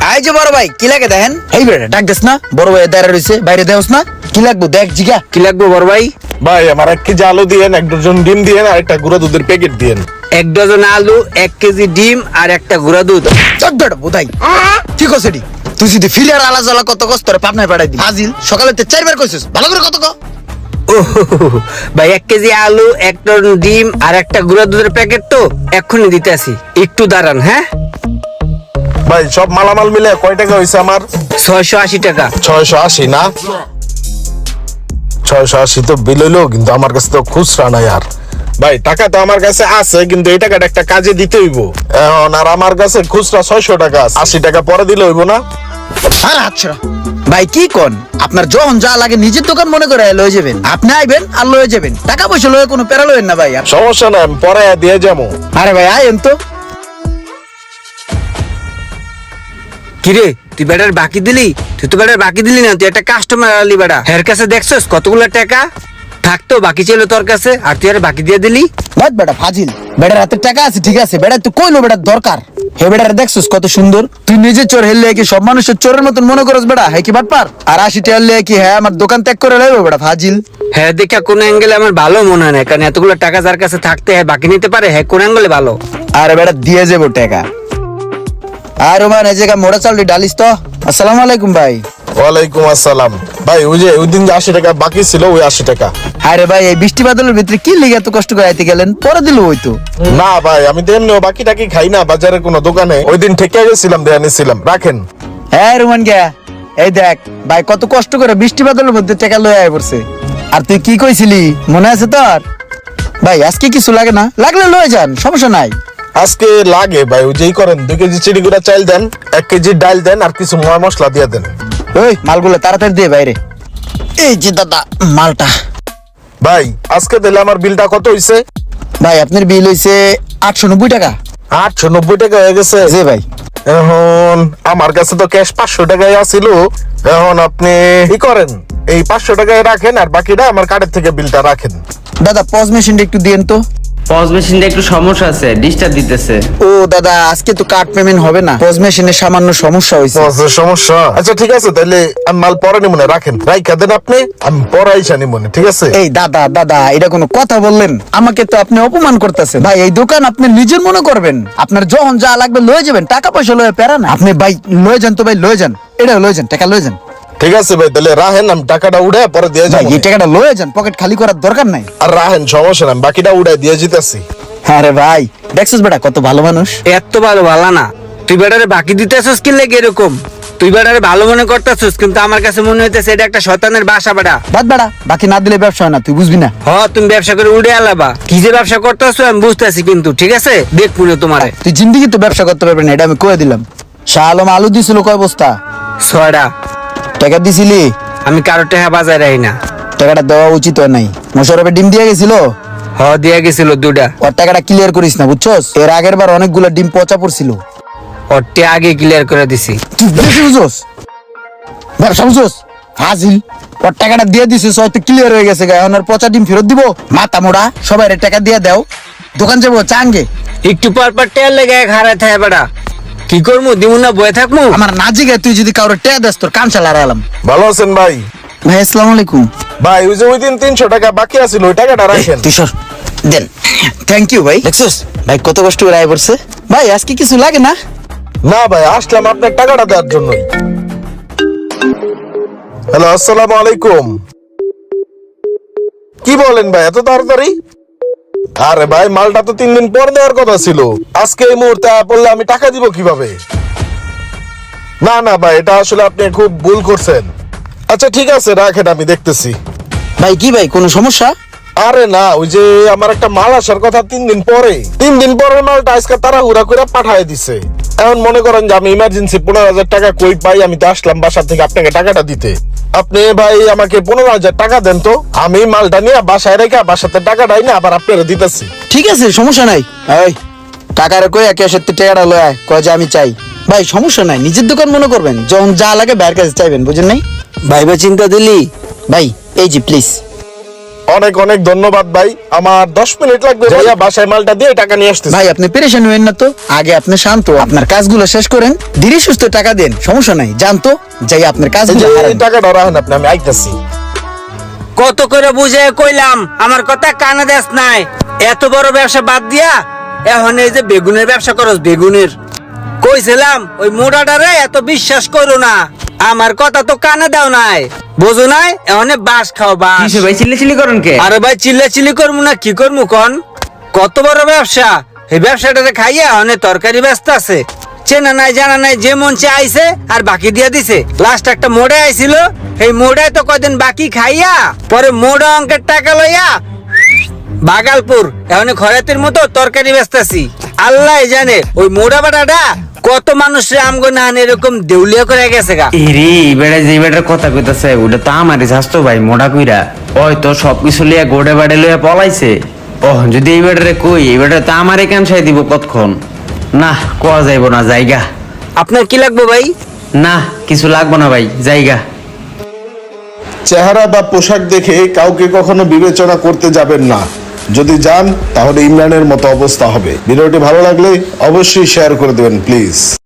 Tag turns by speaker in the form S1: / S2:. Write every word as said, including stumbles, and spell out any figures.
S1: I যে বড় ভাই কি লাগে দেখেন? এই বেটা ডাক দেস না, বড় ভাই দাঁড়া রইছে, বাইরে দেওস না? কি লাগবো দেখ জিগা, কি লাগবো বড় ভাই?
S2: ভাই আমার এক কেজি আলু দিয়েন, এক ডজন ডিম দিয়েন, আর একটা গুঁড়া দুধের প্যাকেট দিয়েন।
S3: এক ডজন আলু, এক কেজি ডিম আর একটা গুঁড়া দুধ।
S1: চোদ্দটা বোধাই ঠিক আছে ডি। তুই যদি ফিলিয়ার আলা জ্বালা কত কষ্ট রে পাবনায় পাঠাই দি হাজিল, সকালে তে চারবার কইছিস, ভালো করে কত ক।
S3: ও ভাই, এক কেজি আলু, এক টন ডিম আর একটা গুঁড়া দুধের প্যাকেট তো এক্ষুনি দিতে আসি, একটু দাঁড়ান। হ্যাঁ
S2: ভাই সব মালামাল মিলে কয় টাকা হয়েছে আমার?
S3: ছয়শো আশি টাকা।
S2: ছয়শো আশি না? ছয়শো আশি তো বিল হইলো, কিন্তু আমার কাছে তো খুচরা নাই। আর ভাই টাকা তো আমার কাছে আছে, কিন্তু এই টাকাটা একটা কাজে দিতে হইব এখন। আর আমার কাছে খুচরা ছয়শো টাকা আছে, আশি টাকা পরে দিলে হইব না?
S1: আর আচ্ছা ভাই কি কোন, আপনার যখন যা লাগে নিজের দোকান মনে করে লয়ে যাবেন, আপনি আইবেন আর লয়ে যাবেন, টাকা পয়সা লয়ে কোনো প্যারা লয়েন না ভাই। আর
S2: সমস্যা নাই, আমি পরে দিয়ে যাবো।
S1: আরে ভাই আইন তো।
S3: কিরে তুই বেটার বাকি দিলি? তুই তো বেটার বাকি দিলি না, তুই একটা কাস্টমার আলি বেটা। হের কাছে দেখছস কতগুলো টাকা থাকতো, বাকি ছিল তোর কাছে, আর তুই আর বাকি দিয়ে দিলি।
S1: বাদ বেটা ফাজিল, বেটার হাতে টাকা আছে ঠিক আছে, বেটা তুই কইলো বেটার দরকার। হে বেটার দেখছস কত সুন্দর, তুই নিজে চোর হেললে কি সব মানুষের চোরের মতন মনে করস বেটা? হ্যাঁ কি বাটপার? আর আশি টাকা হলে কি হ্যাঁ আমার দোকান ত্যাগ করে লইব বেটা ফাজিল?
S3: হ্যাঁ দেখা কোন অ্যাঙ্গেলে আমার ভালো মনে হয় না, কারণ এতগুলো টাকা যার কাছে থাকতে হ্যাঁ বাকি নিতে পারে, হ্যাঁ কোন অ্যাঙ্গেলে ভালো।
S1: আরে বেটা দিয়ে যাবো টাকা। আর ওমান এই জায়গা মোড়া চাল ডালিস তো। আসসালামু আলাইকুম ভাই।
S2: ওয়ালাইকুম আসসালাম। ভাই ওই যে ওই দিন যে আশি টাকা বাকি ছিল, ওই আশি টাকা।
S1: আরে ভাই এই বৃষ্টি বাদলের ভিতরে কি লিগে এত কষ্ট করে আইতে গেলেন? পরে দিল ওই তো।
S2: না ভাই আমি তো এমনিও বাকি টাকি খাই না বাজারে কোনো দোকানে, ওই দিন ঠেকে গেছিলাম, দেয়া নিছিলাম, রাখেন।
S1: হ্যাঁ রুমান গিয়া এই দেখ ভাই কত কষ্ট করে বৃষ্টি বাদলের মধ্যে টাকা লয়ে আয় পড়ছে। আর তুই কি কইছিলি মনে আছে তোর? ভাই আজকে কিছু লাগে না, লাগলে লয়ে যান, সমস্যা নাই।
S2: আজকে লাগে ভাই, ওই যেই করেন দুই কেজি চিড়িগুড়া চাল দেন, এক কেজি ডাল দেন, আর কিছু ময় মশলা দিয়ে দেন।
S1: ওই মালগুলো তাড়াতাড়ি দিয়ে বাইরে। এই যে দাদা মালটা।
S2: ভাই আজকে দিলে আমার বিলটা কত হইছে?
S1: ভাই আপনার বিল হইছে আটশো নব্বই টাকা।
S2: আটশো নব্বই টাকা হয়ে গেছে।
S1: জি ভাই।
S2: এখন আমার কাছে তো ক্যাশ পাঁচশো টাকাই আছিল, এখন আপনি কি করেন, এই পাঁচশো টাকায় রাখেন, আর বাকিটা আমার কার্ডের থেকে বিলটা রাখেন।
S1: দাদা পজ মেশিনটা একটু দিয়েন তো।
S4: পজ মেশিনটা একটু সমস্যা আছে, ডিস্টার্ব দিতেছে।
S1: ও দাদা আজকে তো কার্ড পেমেন্ট হবে না, পজ মেশিনের সামান্য সমস্যা হয়েছে।
S2: পজের সমস্যা? আচ্ছা ঠিক আছে, তাহলে আমি মাল পরে নিব না, রাখেন, রাইখা দেন আপনি, আমি পরে আইসা নিব না, ঠিক আছে?
S1: এই দাদা দাদা এটা কোনো কথা বললেন? আমাকে তো আপনি অপমান করতেছেন ভাই। এই দোকান আপনি নিজের মনে করবেন, আপনার যখন যা লাগবে লয়ে যাবেন, টাকা পয়সা লয়ে পেরা না। আপনি ভাই লয়ে যান তো, ভাই লয়ে যান, এটা লয়ে যান, টাকা লয়ে যান।
S2: ঠিক আছে ভাই, তাহলে রাহেন, আমি টাকাটা উড়ে পরে দিয়ে
S1: ভাই
S2: যাবো।
S1: এই টাকাটা লয়ে যান, পকেট খালি করার দরকার নাই।
S2: আর রাহেন, সমস্যা নাই, বাকিটা উড়ে দিয়ে জিতেছি।
S1: আরে ভাই দেখছিস বেটা কত ভালো মানুষ।
S3: এত ভালো ভালো না, তুই বেটারে বাকি দিতে আসছিস কি লেগে এরকম? তুই বেটারে ভালো মনে করতেছিস, কিন্তু আমার কাছে মনে হইতেছে এটা একটা শয়তানের বাসা বেটা।
S1: বাদ বেটা, বাকি না দিলে ব্যবসা হয় না, তুই বুঝবি না।
S3: হ তুমি ব্যবসা করে উড়ে আলাবা, কি যে ব্যবসা করতেছো আমি বুঝতেছি, কিন্তু ঠিক আছে দেখ পুরো তোমারে।
S1: তুই জিন্দিগি তো ব্যবসা করতে পারবি না, এটা আমি কয়ে দিলাম। শাহ আলম আলু দিছিল কয় বস্তা?
S3: ছয়টা।
S1: টাকা দিছিলি?
S3: আমি কারো টাকা বাজায় রাখি না।
S1: টাকাটা দেওয়া উচিত হয় নাই। মোশারফের ডিম দিয়ে গেছিল,
S3: হ দিয়া গেছিল দুটা।
S1: ওর টাকাটা ক্লিয়ার করিস না বুঝছস? এর আগের বার অনেকগুলো ডিম পচা পড়ছিল।
S3: ওরটি আগে ক্লিয়ার করে দিছি।
S1: তুই বেশি বুঝছস, ব্যবসা বুঝছস হাজিল। ওর টাকাটা দিয়ে দিছিস, হয়তো ক্লিয়ার হয়ে গেছে, এখন আর পচা ডিম ফেরত দিব? মাথা মোড়া, সবাই টাকা দিয়ে দাও, দোকান যাবো চাঙ্গে।
S3: একটু পর পর টেয়ার লেগে হারায় থাকে বেটা, কি করবো দিমু না বয়ে থাকবো?
S1: আমার নাজিগে তুই যদি কারোর টেয়া দেস তোর কান চালা আলাম।
S2: ভালো আছেন ভাই?
S1: ভাই আসসালামু আলাইকুম।
S2: ভাই ওই যে ওই দিন তিনশো টাকা বাকি আছিল, ওই টাকাটা রাখেন।
S1: তুই সর দেন। থ্যাংক ইউ ভাই। দেখছিস ভাই কত কষ্ট করে আয় পড়ছে। ভাই আজকে কিছু লাগে না?
S2: না ভাই, আসলাম আপনার টাকাটা দেওয়ার জন্যই। হ্যালো, আসসালামু আলাইকুম। কি বলেন ভাই এত তাড়াতাড়ি? আরে ভাই মালটা তো তিন দিন পর দেওয়ার কথা ছিল, আজকে এই মুহূর্তে পড়লে আমি টাকা দিব কিভাবে? না না ভাই, এটা আসলে আপনি খুব ভুল করছেন। আচ্ছা ঠিক আছে রাখেন, আমি দেখতেছি।
S1: ভাই কি ভাই কোনো সমস্যা?
S2: আরে না, ওই যে আমার একটা মাল আসার কথা তিন দিন পরে, তিন দিন পরের মালটা আজকে তারা হুড়া করে পাঠায় দিছে। এখন মনে করেন যে আমি ইমার্জেন্সি পনেরো হাজার টাকা কই পাই, আমি তো আসলাম বাসা থেকে আপনাকে টাকাটা দিতে। আপনি ভাই আমাকে পনেরো হাজার টাকা দেন তো, আমি মালটা নিয়ে বাসায় রেখে বাসাতে টাকাটাই না আবার আপনারা দিতেছি।
S1: ঠিক আছে সমস্যা নাই। এই টাকার কই একে সত্যি টাকাটা লয় কয় যে আমি চাই। ভাই সমস্যা নাই, নিজের দোকান মনে করবেন, যখন যা লাগে বাইরের কাছে চাইবেন, বুঝেন নাই?
S3: ভাইবা চিন্তা দিলি?
S1: ভাই এই জি প্লিজ।
S2: অনেক অনেক ধন্যবাদ ভাই, আমার দশ মিনিট লাগবে ভাইয়া, বাসায় মালটা দিয়ে টাকা নিয়ে আসতেছি।
S1: ভাই আপনি পেরেশান হইেন না তো, আগে আপনি শান্ত আপনার কাজগুলো শেষ করেন, ধীরে সুস্থ টাকা দেন, সমস্যা নাই, জানতো যাই আপনার
S2: এই
S1: কাজগুলো
S2: যে
S1: হারান।
S2: এই টাকাটা রাখেন আপনি, আমি আইতাছি।
S3: কত করে বুঝে কইলাম, আমার কথা কানে দেস নাই। এত বড় ব্যবসা বাদ দিয়া এখন এই যে বেগুনের ব্যবসা করস, বেগুনের কইছিলাম ওই মোড়াটারে এত বিশ্বাস করো না, আমার কথা তো কানে দাও নাই, বুঝো নাই? এখন বাস খাও বাস।
S4: কিসে ভাই চিল্লি চিল্লি করেন কে?
S3: আরে ভাই চিল্লা চিল্লি করবো না কি করবো কন? কত বড় ব্যবসা, এই ব্যবসাটারে খাইয়া অনেক তরকারি ব্যস্ত আছে, চেনা নাই জানা নাই, যে মঞ্চে আইছে আর বাকি দিয়া দিছে। লাস্ট একটা মোড়ে আইছিল, এই মোড়ায় তো কদিন বাকি খাইয়া পরে মোড়া অঙ্কের টাকা লইয়া বাগালপুর এখন খরাতের মতো তরকারি ব্যস্তাছি। আল্লাহ জানে ওই মোড়া বাটাটা কত মানুষের আমগো না এরকম দেউলিয়া করে গেছে গা।
S4: এরে বেড়া যে বেটার কথা কইতাছে ওটা তো আমারই স্বাস্থ্য ভাই, মোটা কইরা ওই তো সবকিছু লিয়া গোড়ে বাড়ে লইয়া পলাইছে। ও যদি এই বেটারে কই, এই বেটা তো আমারে কানসাই দিব কতক্ষণ। না কোয়া যাইব না, জায়গা।
S3: আপনার কি লাগবে ভাই?
S4: না কিছু লাগবো না ভাই, জায়গা।
S2: চেহারা বা পোশাক দেখে কাউকে কখনো বিবেচনা করতে যাবেন না, যদি যান তাহলে ইমরানের মতো অবস্থা হবে। ভিডিওটি ভালো লাগলে অবশ্যই শেয়ার করে দেবেন প্লিজ।